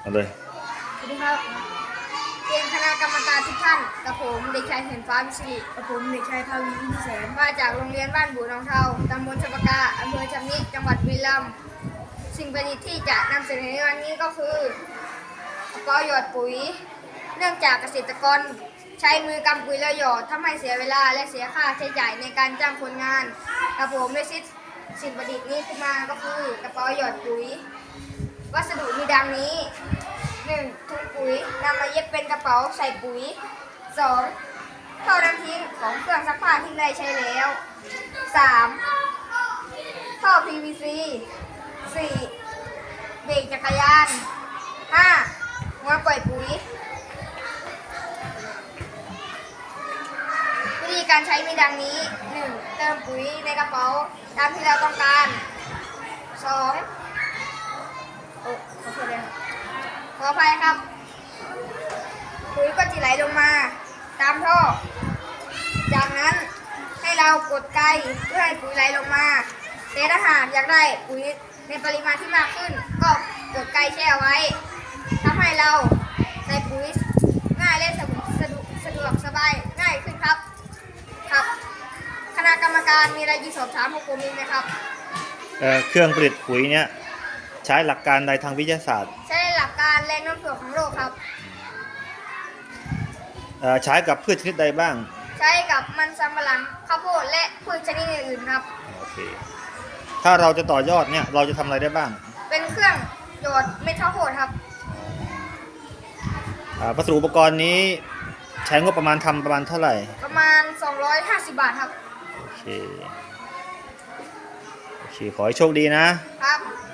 เอาเลยสวัสดีครับเรียนคณะกรรมการทุกท่านกับผมเด็กชายเห็นฟ้าวิศิริกับผมเด็กชายทวีอินแสนมาจากโรงเรียนบ้านบุหนองเทาตำบลชปกาอำเภอชำนิจังหวัดบุรีรัมย์สิ่งประดิษฐ์ที่จะนำเสนอในวันนี้ก็คือกระเป๋าหยอดปุ๋ยเนื่องจากเกษตรกรใช้มือกำปุ๋ยแล้วหยอดทำให้เสียเวลาและเสียค่าใช้จ่ายในการจ้างคนงานกับผมได้คิดสิ่งประดิษฐ์นี้ขึ้นมาก็คือกระเป๋าหยอดปุ๋ยวัสดุมีดังนี้ 1. ถุงปุ๋ยนำมาเย็บเป็นกระเป๋าใส่ปุ๋ย 2. ท่อน้ำทิ้งของเครื่องซักผ้าที่ได้ใช้แล้ว 3. ท่อ PVC 4. เบรกจักรยาน 5. หัวปล่อยปุ๋ยวิธีการใช้มีดังนี้ 1. เติมปุ๋ยในกระเป๋าตามที่เราต้องการ 2. ขออภัยครับปุ๋ยก็จะไหลลงมาตามท่อจากนั้นให้เรากดไกเพื่อให้ปุ๋ยไหลลงมาแต่ถ้าหากอยากได้ปุ๋ยในปริมาณที่มากขึ้นก็กดไกแช่ไว้ทำให้เราใส่ปุ๋ยง่ายและสะดวกสบายง่ายขึ้นครับคณะกรรมการมีอะไรจะสอบถามพวกผมไหมครับเครื่องผลิตปุ๋ยเนี่ยใช้หลักการใดทางวิทยาศาสตร์ใช้หลักการแรงโน้มถ่วงของโลกครับใช้กับพืชชนิดใดบ้างใช้กับมันสำปะหลังข้าวโพดและพืชชนิดอื่นๆครับโอเคถ้าเราจะต่อยอดเนี่ยเราจะทำอะไรได้บ้างเป็นเครื่องหยอดเม็ดข้าวโพดครับวัสดุอุปกรณ์นี้ใช้งบประมาณทำประมาณเท่าไหร่ประมาณ250 บาทครับโอเคขอให้โชคดีนะครับ